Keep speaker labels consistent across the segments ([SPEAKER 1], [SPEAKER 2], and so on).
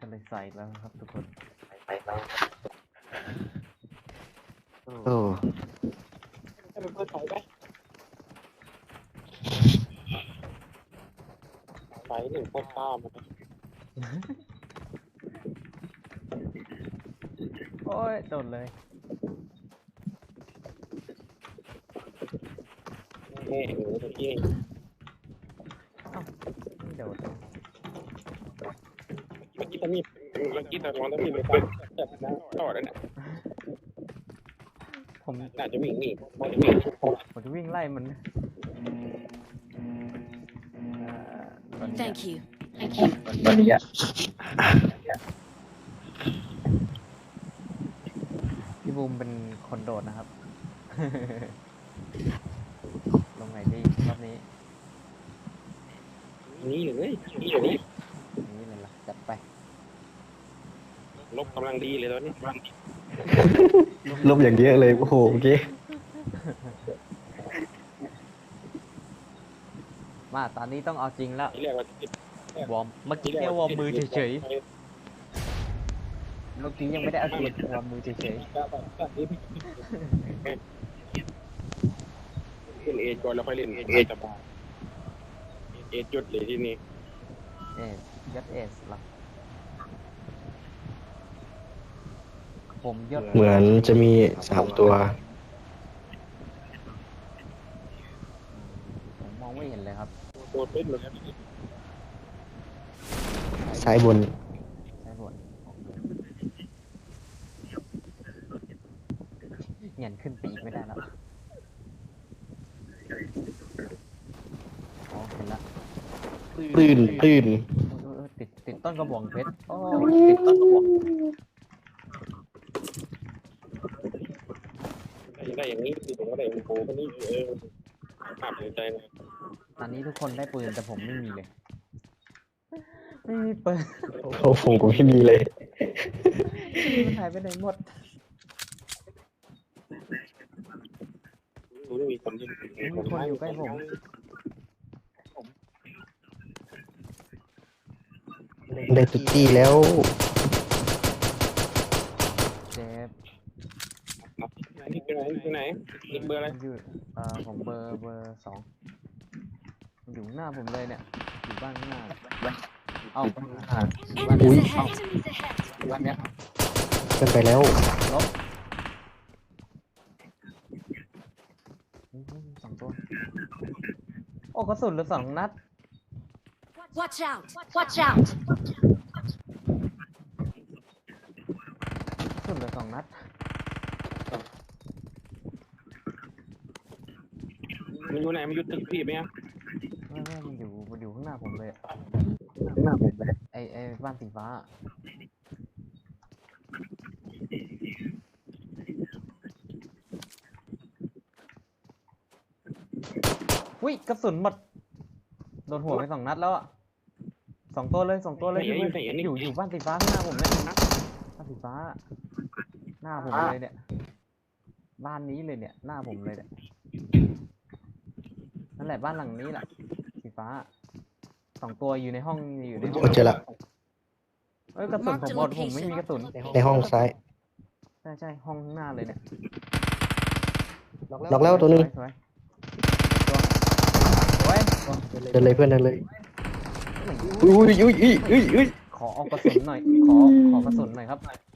[SPEAKER 1] ก็เลยใส่แล้วครับทุกคนใส่แล้ว
[SPEAKER 2] โอ้
[SPEAKER 3] ให้มันเปิดไฟไหมไฟหนึ่งโคตรต้ามัน
[SPEAKER 1] โอ้ยโดนเลย
[SPEAKER 3] เฮ้ยเมื่อกี้
[SPEAKER 1] ไม่โดน
[SPEAKER 3] ตอนนี้เมื่อกี้ตอนร้อนแล้วมีไม่ฟังแต่นะต่อแล้วเนี่ย
[SPEAKER 1] ผม
[SPEAKER 3] น่าจะวิ่งหนีพอจะวิ่ง
[SPEAKER 1] ผมจะวิ่งไล่มันตอนนี้
[SPEAKER 4] Thank you. Thank you.
[SPEAKER 2] ตอนนี้อ่ะ
[SPEAKER 1] พี่บูมเป็นคนโดดนะครับ ลงไหนดีรอบนี้
[SPEAKER 3] นี่เลยนี่อยู่นี่
[SPEAKER 1] นี่เลยล่ะจัดไป
[SPEAKER 3] ลบกำลังดีเลยตอนนี้
[SPEAKER 2] ลบอย่างเยอะเลยโอ้โหเมื่อกี้
[SPEAKER 1] มาตอนนี้ต้องเอาจริงแล้ว
[SPEAKER 3] ที่เรียกว่าว
[SPEAKER 1] อร์มเมื่อกี้แค่วอร์มมือเฉยๆเมื่อกี้ยังไม่ได้เอาจริงวอร์มมือเฉย
[SPEAKER 3] เล่นเอจก่อนแล้วค่อยเล่นเอจบาเอจจุดเลยที่นี่
[SPEAKER 1] ๆยัดเอสหรอผมยศ
[SPEAKER 2] เหมือนจะมี3 ตัว
[SPEAKER 1] ผมมองไม่เห็นเลยครับ
[SPEAKER 3] โดดเป็นเลย
[SPEAKER 2] ซ้ายบน
[SPEAKER 1] ใช่ส่วนเงียนขึ้นไปอีกไม่ได้แล้วอ๋อเห็นละ
[SPEAKER 2] ตื้น
[SPEAKER 1] ติดต้นกระบองเพชรโอ้ติดต้นกระบอง
[SPEAKER 3] ได้อย่างนี้คือผมก็ได้โอ้โหคนนี้ภาพใจนะ
[SPEAKER 1] ตอนนี้ทุกคนได้ปืนแต่ผมไม่มีเลย ไม่มีปืน
[SPEAKER 2] โอ้โหผมไม่มีเลย
[SPEAKER 1] มันหายไปไหนหมด
[SPEAKER 3] รู้ไม่มีคนที่
[SPEAKER 1] มีคนอยู่ใกล้ผม
[SPEAKER 2] ได้ตุ๊กตี้แล้ว
[SPEAKER 1] เจ็บ
[SPEAKER 3] นี่ไปไหนไปไหนนี่เบอร์อะไร
[SPEAKER 1] มันอยู่ผมเบอร์2มันอยู่หน้าผมเลยเนี่ยอยู่บ้านข้างหน้าเอ้า
[SPEAKER 4] Enemies ahead. Enemies ahead.
[SPEAKER 1] บ้านเนี้ย
[SPEAKER 2] ขึ้นไปแล้ว
[SPEAKER 1] ลบสองตัวโอ้กระสุนเหลือ2 นัด
[SPEAKER 4] Watch out. Watch out.
[SPEAKER 1] กระสุนเหลือ2 นัด
[SPEAKER 3] มันอยู่ไหนมันอยู่ตึกพี่ไหมอ่ะ
[SPEAKER 1] ไม่มันอยู่ข้างหน้าผมเลยอะ
[SPEAKER 2] หน้าผมเลย
[SPEAKER 1] ไอ้บ้านสีฟ้าอุ้ยกระสุนหมดโดนหัวไป2 นัดแล้วอ่ะ2 ตัวเลยอยู่บ้านสีฟ้าข้างหน้าผมเนี่ยบ้านสีฟ้าหน้าผมเลยเนี่ยบ้านนี้เลยเนี่ยหน้าผมเลยเนี่ยนั่นแหละบ้านหลังนี้แหละสีฟ้า2 ตัวอยู่ในห้อง
[SPEAKER 2] เจอละ
[SPEAKER 1] เอ้ยกระสุนผมหมดผมไม่มีกระสุน
[SPEAKER 2] ในห้องซ้าย
[SPEAKER 1] ใช่ห้องข้างหน้าเลยเนี่ย
[SPEAKER 2] ล็อกแล้วตัวนึง
[SPEAKER 1] สวยสวย
[SPEAKER 2] เดินเลยเพื่อนเดินเลยอุ้ย
[SPEAKER 1] ขอเอากระสุนหน่อยขอกระสุนหน่อยครับ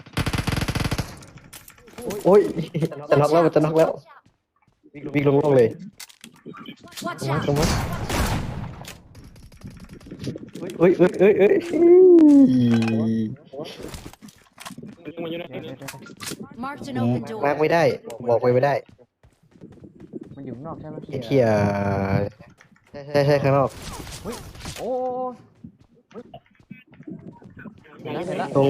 [SPEAKER 2] โอ้ยจะน็อกแล้วมันจะน็อกแล้ววิ่งลงเลย
[SPEAKER 4] Watch
[SPEAKER 2] มา
[SPEAKER 4] out.
[SPEAKER 2] ตรงนั้นเอ้ย
[SPEAKER 3] มันอยู่ไหน
[SPEAKER 1] เดี๋ยว
[SPEAKER 4] Marked an
[SPEAKER 2] มา
[SPEAKER 4] open
[SPEAKER 2] ร์ก
[SPEAKER 4] door.
[SPEAKER 2] ไม่ได้บอกไปไม่ได้
[SPEAKER 1] มันอยู่ข้างนอกใช่ไหม
[SPEAKER 2] ไอ้เที่ยใช่ข้างนอก
[SPEAKER 1] โอ้เห็นแล้ว
[SPEAKER 2] ตรง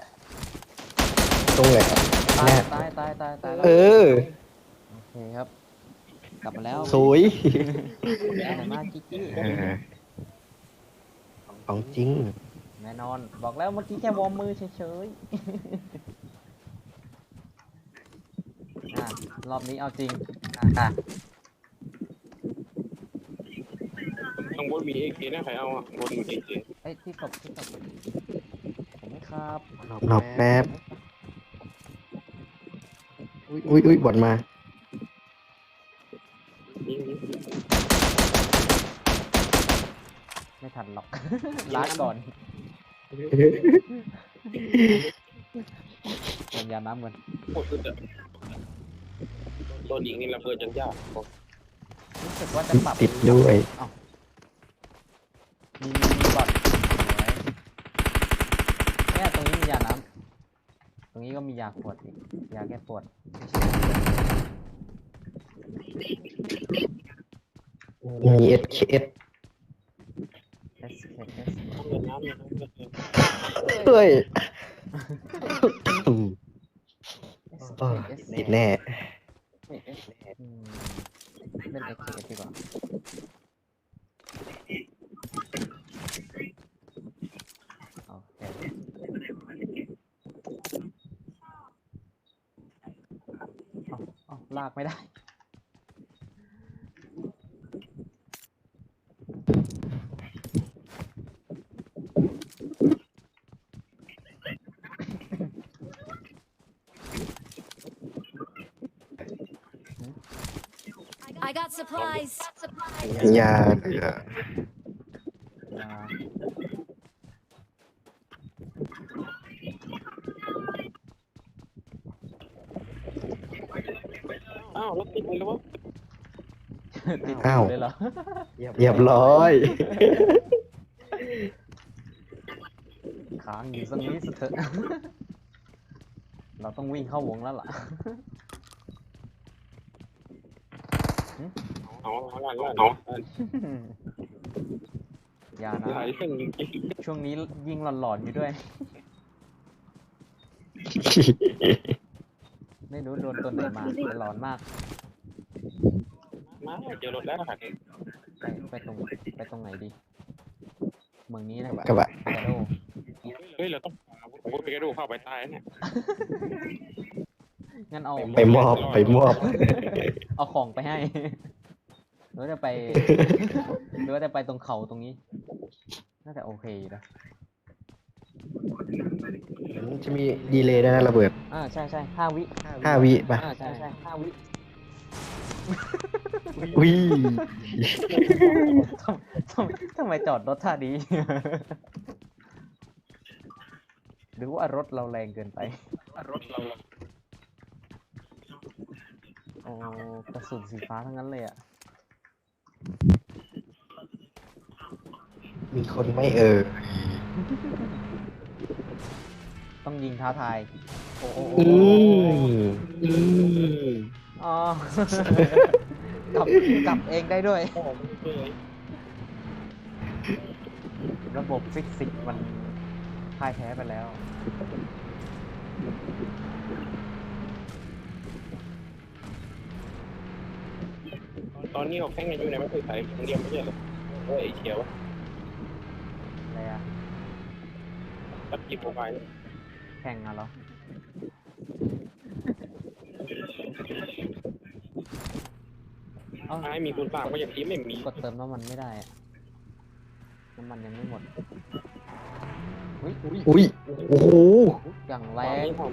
[SPEAKER 1] ตาย
[SPEAKER 2] แน่
[SPEAKER 1] ตายแล้ว
[SPEAKER 2] เออ
[SPEAKER 1] โอเคครับ กลับมาแล้ว
[SPEAKER 2] สวย
[SPEAKER 1] แต่มากิ๊ก
[SPEAKER 2] ของจริง
[SPEAKER 1] แน่นอนบอกแล้วเมื่อกี้แค่วอร์มมือเฉยๆรอบนี้เอาจริงอ่ะ
[SPEAKER 3] ต้องบนมีเอเคนะใครเอาอ่ะบนมีเอเค
[SPEAKER 1] ไอ้ที่ตบผมไม่ขครับ
[SPEAKER 2] รอแป๊บอุ้ยบอดมา
[SPEAKER 3] ยิง
[SPEAKER 1] ไม่ทันหรอก ลาดก่อนเติมยาน้ำกัน
[SPEAKER 3] โคตรสุดอะโดนยิงนี่ระเบิดจนยาก
[SPEAKER 1] รู้สึกว่าจะปรับ
[SPEAKER 2] ติดด้วย
[SPEAKER 1] อ้าวมีบอทเนี่ยตรงนี้มียาน้ำตรงนี้ก็มียาขวดอีกยาแก้ปวด
[SPEAKER 2] มีSKS
[SPEAKER 1] SKS
[SPEAKER 3] เงินน้ำเนี่ย
[SPEAKER 2] เฮ้ย
[SPEAKER 1] SKS
[SPEAKER 2] ติดแน่
[SPEAKER 1] อืมเล่น SKS ดีกว่าโอเคเอาลากไม่ได้
[SPEAKER 4] I got supplies.
[SPEAKER 2] ยาเหลือ
[SPEAKER 1] ยา
[SPEAKER 3] อ้าวรถติดเลยวะ
[SPEAKER 1] ติด
[SPEAKER 2] อ้าว
[SPEAKER 1] เลยเหรอ
[SPEAKER 2] เรียบร้อย
[SPEAKER 1] ค้างอยู่ตรงนี้สักเถอะ เราต้องวิ่งเข้าวงแล้วล่ะ
[SPEAKER 3] เอาล้าน
[SPEAKER 1] อย่านะ
[SPEAKER 3] หลายเส้นจริง
[SPEAKER 1] ช่วงนี้ยิ่งหลอนๆอยู่ด้วย ไม่รู้โดนตัวไหนมาแต่หลอนมาก
[SPEAKER 3] ๆมาเจอรถแล้วค่ะ
[SPEAKER 1] ไปตรงไหนดี เมืองนี้นะ
[SPEAKER 2] กระบะ
[SPEAKER 1] กาโด
[SPEAKER 3] เฮ้ยเราต้องผมก็ไปกระโดดเข้าไปตายเนี่ย
[SPEAKER 1] งั้นเอา
[SPEAKER 2] ไปมอบ
[SPEAKER 1] เอาของไปให้ หรือว่าจะไป หรือว่าจะไปตรงเขาตรงนี้ น่าจะโอเคอยู่นะ
[SPEAKER 2] จะมีดีเลย์ด้วยนะระเบิด
[SPEAKER 1] ใช่5 วิ
[SPEAKER 2] 5 วิป่ะ
[SPEAKER 1] ใช่5 วิ
[SPEAKER 2] อุ้ย
[SPEAKER 1] ทำไมจอดรถท่าดี หรือว่ารถเราแรงเกินไป
[SPEAKER 3] รถเรา
[SPEAKER 1] โอ้กระสุนสีฟ้าทั้งนั้นเลยอ่ะ
[SPEAKER 2] มีคนไม่
[SPEAKER 1] ต้องยิงท้าทาย โอ้โห
[SPEAKER 2] อืม
[SPEAKER 1] อ๋อ กลับเองได้ด้วย ระบบฟิสิกส์มันพ่ายแพ้ไปแล้ว
[SPEAKER 3] ตอนนี้เขาแข่งกันอยู่ในประเทศไทยคนเดียวไม่ใช่เหรอเฮ้ยไอ้เขียว
[SPEAKER 1] อะไรอะ
[SPEAKER 3] ตัดจีบโปรไฟล์
[SPEAKER 1] แข่งอะเหรอ
[SPEAKER 3] ไอ้มีคุณสามก็ยังทีไม่มี
[SPEAKER 1] กดเติมน้ำมันไม่ได้อะน้ำมันยังไม่หมด อุ้ย
[SPEAKER 2] อุ้ย โอ้โห
[SPEAKER 1] อย่างแร
[SPEAKER 3] ตอน
[SPEAKER 1] ง
[SPEAKER 3] นี้ผม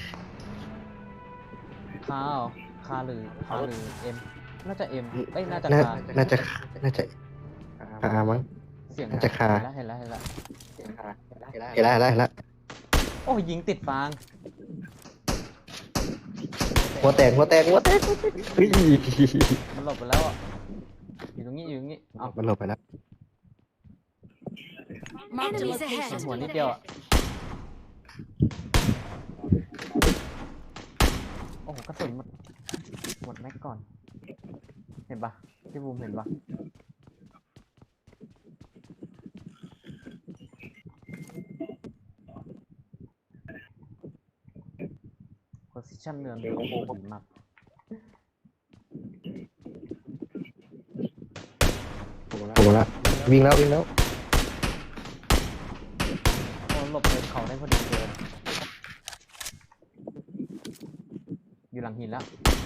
[SPEAKER 1] คาหรือเอ็ม น่าจะเอ็มเอ้ย น่าจะ
[SPEAKER 2] น่า
[SPEAKER 1] คา
[SPEAKER 2] น่าจะมั้ง
[SPEAKER 1] เสียง
[SPEAKER 2] น่าจะคา
[SPEAKER 1] เห็นแล้ว
[SPEAKER 2] เห็นแล้ว
[SPEAKER 1] โอ้ยยิงติดฟาง
[SPEAKER 2] หัวแตกเฮ้ย
[SPEAKER 1] มันหลบไปแล้วอ่ะ อยู่ตรงนี้เอ้า
[SPEAKER 2] มันหลบไปแล้ว
[SPEAKER 4] Enemies ahead.
[SPEAKER 1] หัวนิดเดียวอ่ะ โอ้โหกระสุนหมดแม็กก่อน เห็นปะพี่บูมเห็นปะโพซิชั่นเนือนโอ้โหดีมาก
[SPEAKER 2] โอ้โหละวิ่งแล้ว
[SPEAKER 1] โอ้หลบเลยเขาได้พอดีเกินอยู่หลังหินแล้ว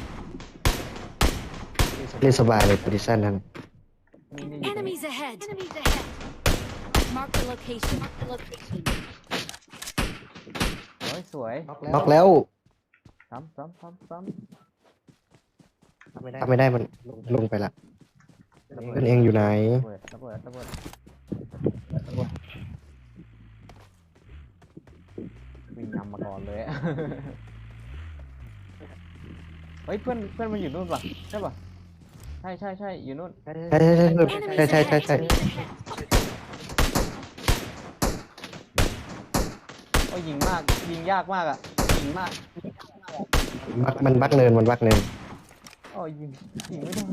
[SPEAKER 2] เล่นสบายเลยโพซิชั่นนั้น
[SPEAKER 1] นี่อยู่ตรงนี้
[SPEAKER 4] Enemies ahead. Mark the location.
[SPEAKER 1] สวย
[SPEAKER 2] น็อกแล้ว
[SPEAKER 1] ซ้ำซ้ำซ้ำซ้
[SPEAKER 2] ถ้าไม่ได้มันลงไปละ
[SPEAKER 1] ำ
[SPEAKER 2] เพื่อนเองอยู่ไหน
[SPEAKER 1] ระเบิดวิ่งนำมาก่อนเลย เฮ้ยเพื่อนมันอยู่นู่นป่ะใช่ป่ะใช่อยู่นู่น
[SPEAKER 2] ใช่
[SPEAKER 1] โอ้ยยิงยากมากอ่ะยิงมาก
[SPEAKER 2] มันบักเนิน
[SPEAKER 1] โอ้ยยิงไม่โดน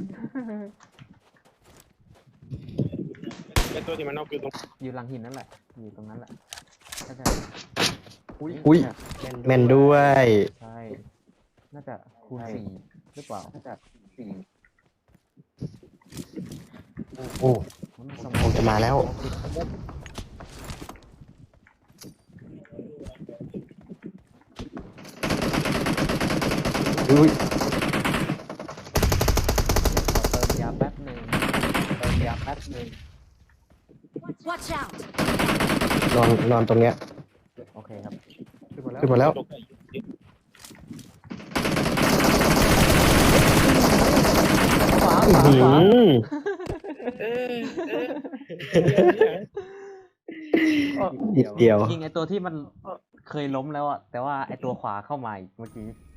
[SPEAKER 3] ไอ้ตัวที่มันนอกคือตรง
[SPEAKER 1] อยู่หลังหินนั่นแหละอยู่ตรงนั้นแหละใช่
[SPEAKER 2] อุ้ยแมนด้วย
[SPEAKER 1] ใช่น่าจะคูณ4หรือเปล่า
[SPEAKER 2] โอ้
[SPEAKER 1] มันสม
[SPEAKER 2] คงจะมาแล้ว อุ้ย
[SPEAKER 1] ขอเติมยาแป๊บหนึ่ง
[SPEAKER 4] Watch out!
[SPEAKER 2] นอนตรงเนี้ย
[SPEAKER 1] โอเคครับ
[SPEAKER 2] ขึ้นมาแล้ว
[SPEAKER 3] ตก
[SPEAKER 1] ขวา
[SPEAKER 2] อื้อหือ นิดเดียว
[SPEAKER 1] ยิงไอตัวที่มันเคยล้มแล้วอ่ะแต่ว่าไอตัวขวาเข้ามาอีกเมื่อกี้